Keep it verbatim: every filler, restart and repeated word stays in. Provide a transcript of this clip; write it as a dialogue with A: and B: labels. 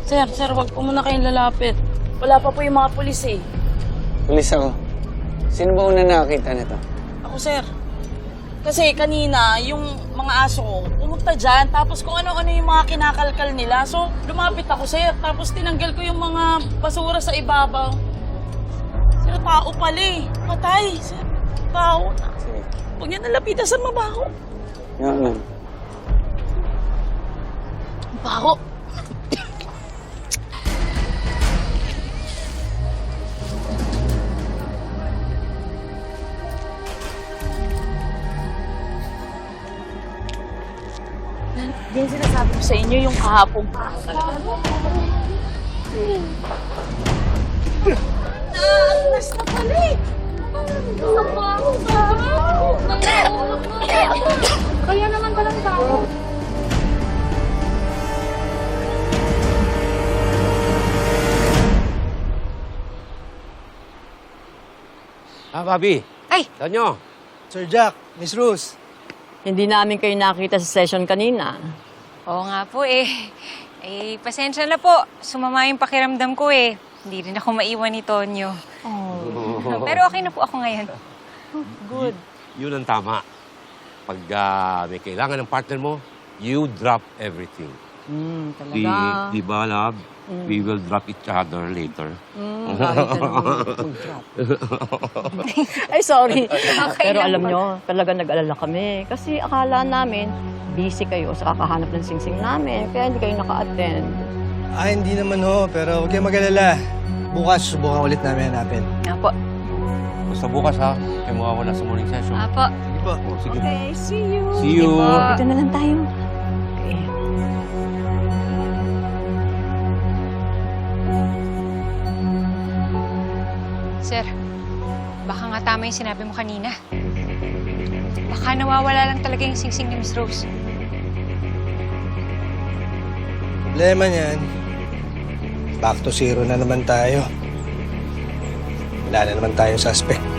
A: Sir, sir, wag po muna kayong lalapit. Wala pa po yung mga pulis eh.
B: Pulis ako. Sino ba una nakakita nito?
A: Ako, sir. Kasi kanina, yung mga aso ko, pumunta dyan, tapos kung ano-ano yung mga kinakalkal nila. So, lumapit ako, sir. Tapos tinanggal ko yung mga basura sa ibabaw. Sir, tao pala eh. Patay, sir. Tao.
B: Sige.
A: Huwag niya nalapitan sa mabaho.
B: Nga, ma'am.
A: Baho. Yan sinasabi ko sa inyo yung kahapon. Naagnas na pala eh.
C: Kaya naman palang tao.
D: Ah, Bobby.
C: Ay!
D: Tonyo.
E: Sir Jack, Miss Rose.
F: Hindi namin kayo nakita sa session kanina.
C: Oo nga po eh. Eh, pasensya na po. Sumama yung pakiramdam ko eh. Hindi rin ako maiwan ni Tonyo.
F: Oh.
C: Pero okay na po ako ngayon.
F: Good.
D: Yun ang tama. Pag ah, may kailangan ng partner mo, you drop everything.
F: Mm,
D: Di,
F: talaga.
D: di ba, love? We will drop each other later.
F: Mm, kahit ka naman mag-drop. Ay, sorry.
C: Okay
F: Pero
C: lang
F: alam
C: po.
F: nyo, talaga nag-alala kami. Kasi akala namin, busy kayo sa kakahanap ng singsing namin. Kaya hindi kayo naka-attend.
E: Ah, hindi naman ho, pero huwag kayong mag-alala. Bukas, subukan ulit namin hanapin.
C: Apo.
D: Basta bukas, ha? Kayo mawawala sa morning session.
C: Apo.
E: Sige po.
D: Oh, sige.
F: Okay, see you.
D: See you.
C: Sige po.
F: Dito na lang tayo. Okay.
C: Sir, baka nga tama yung sinabi mo kanina. Baka nawawala lang talaga yung singsing ni Miss Rose.
E: Problema niyan, back to zero na naman tayo. Wala na naman tayong suspect.